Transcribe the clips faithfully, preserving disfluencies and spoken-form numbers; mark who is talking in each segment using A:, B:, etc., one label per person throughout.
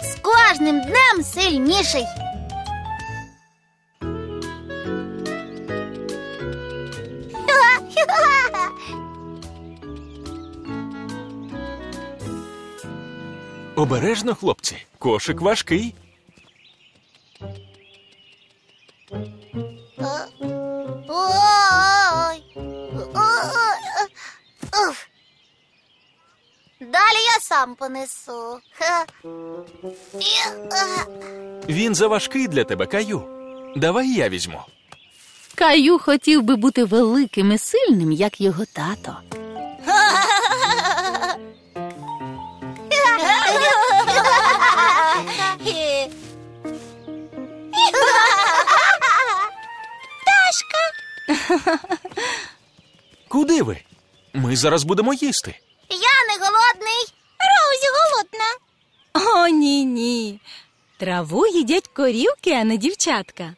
A: З кожним днем сильніший.
B: Обережно, хлопці, кошик важкий.
A: Ой. Уф. Далі я сам понесу.
B: Він заважкий для тебе, Каю. Давай я візьму.
C: Каю хотів би бути великим і сильним, як його тато.
B: Куди ви? Ми зараз будемо їсти.
A: Я не голодний. Роузі голодна.
D: О, ні-ні. Траву їдять корівки, а не дівчатка.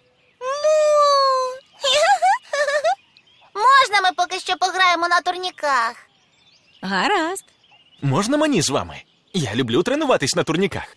A: Можна ми поки що пограємо на турніках?
D: Гаразд.
B: Можна мені з вами? Я люблю тренуватись на турніках.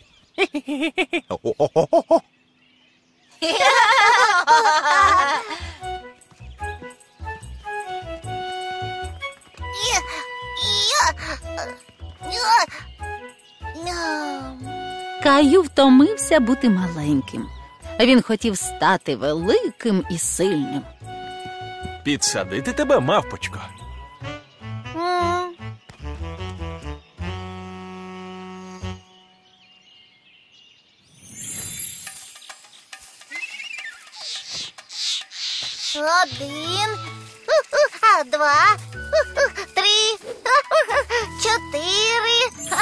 C: Каю втомився бути маленьким. Він хотів стати великим і сильним.
B: Підсадити тебе, мавпочко.
A: М. Один, а, два, три, чотири.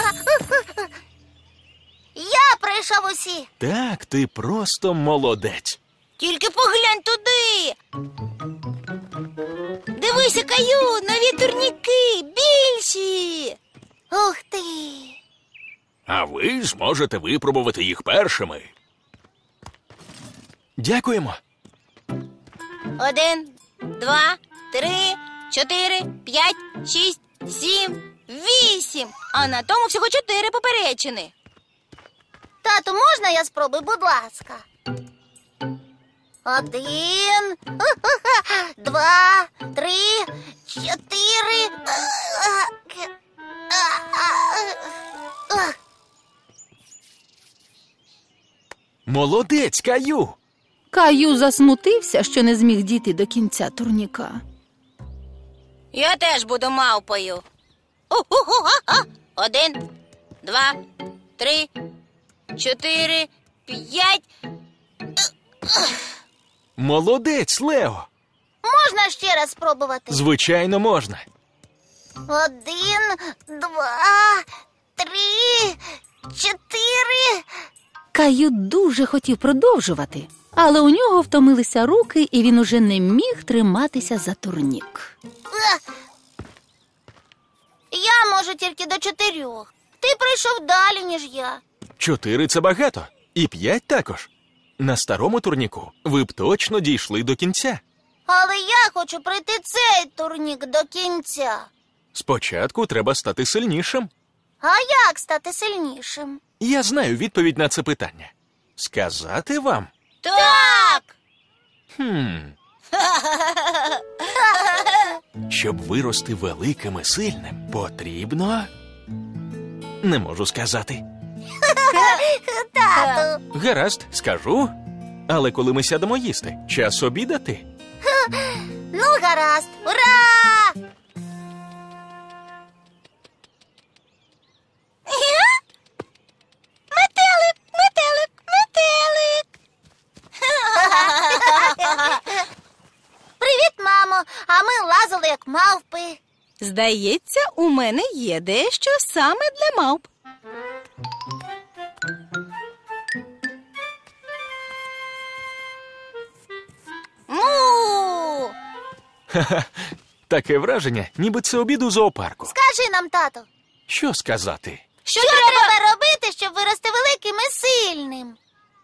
A: Я пройшов усі.
B: Так, ти просто молодець.
A: Тільки поглянь туди. Дивися, Каю, нові турніки, більші. Ух ти.
B: А ви зможете випробувати їх першими. Дякуємо.
A: Один, два, три, чотири, п'ять, шість, сім, вісім. А на тому всього чотири поперечини. Тату, можна я спробую, будь ласка? Один, два, три, чотири.
B: Молодець, Каю.
C: Каю засмутився, що не зміг дійти до кінця турніка.
A: Я теж буду мавпою. Один, два, три, чотири, п'ять.
B: Молодець, Лео.
A: Можна ще раз спробувати?
B: Звичайно, можна.
A: Один, два, три, чотири.
C: Каю дуже хотів продовжувати, але у нього втомилися руки, і він уже не міг триматися за турнік.
A: Я можу тільки до чотирьох. Ти прийшов далі, ніж я.
B: Чотири – це багато. І п'ять також. На старому турніку ви б точно дійшли до кінця.
A: Але я хочу пройти цей турнік до кінця.
B: Спочатку треба стати сильнішим.
A: А як стати сильнішим?
B: Я знаю відповідь на це питання. Сказати вам?
A: Так!
B: Хм. Щоб вирости великим і сильним, потрібно... Не можу сказати.
A: Тату!
B: Гаразд, скажу. Але коли ми сядемо їсти, час обідати.
A: Ну, гаразд! Ура! Метелик, метелик, метелик! Привіт, мамо! А ми лазили, як мавпи.
D: Здається, у мене є дещо саме для мавп.
A: Му!
B: Таке враження, ніби це обід у зоопарку.
A: Скажи нам, тато,
B: Що сказати?
A: що, що треба робити, щоб вирости великим і сильним?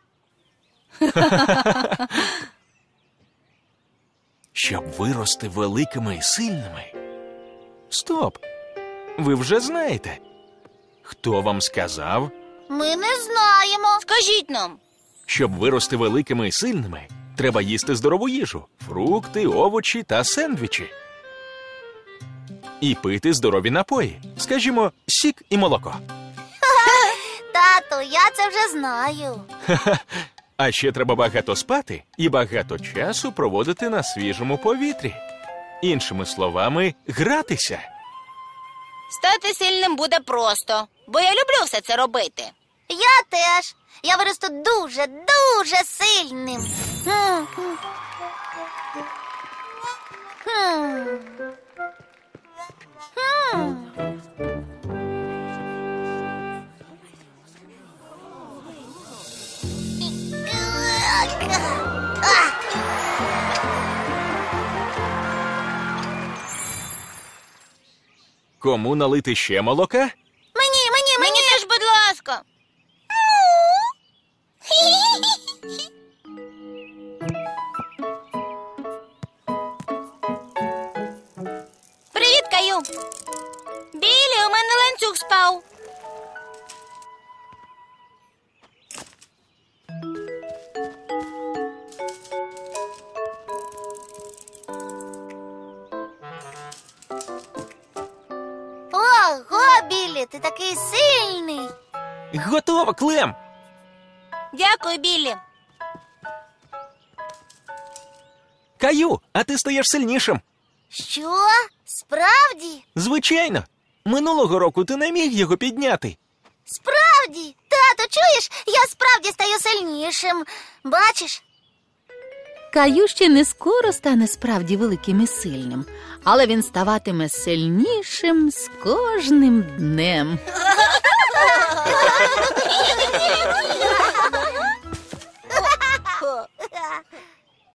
B: Щоб вирости великими і сильними? Стоп! Ви вже знаєте. Хто вам сказав?
A: Ми не знаємо. Скажіть нам.
B: Щоб вирости великими і сильними, треба їсти здорову їжу, фрукти, овочі та сендвічі. І пити здорові напої, скажімо, сік і молоко.
A: Тату, я це вже знаю.
B: А ще треба багато спати і багато часу проводити на свіжому повітрі. Іншими словами, гратися.
A: Стати сильним буде просто, бо я люблю все це робити. Я теж. Я виросту дуже, дуже сильним. Хм. Хм. Хм.
B: Кому налити ще молока?
A: Мені, мені, мені. Мені теж, будь ласка. Привіт, Каю. Білі, у мене ланцюг спав. Ого, Білі, ти такий сильний.
B: Готово, Клем!
A: Дякую, Білі.
B: Каю, а ти стаєш сильнішим.
A: Що? Справді?
B: Звичайно. Минулого року ти не міг його підняти.
A: Справді? Тато, чуєш? Я справді стаю сильнішим. Бачиш?
C: Каю ще не скоро стане справді великим і сильним, але він ставатиме сильнішим з кожним днем.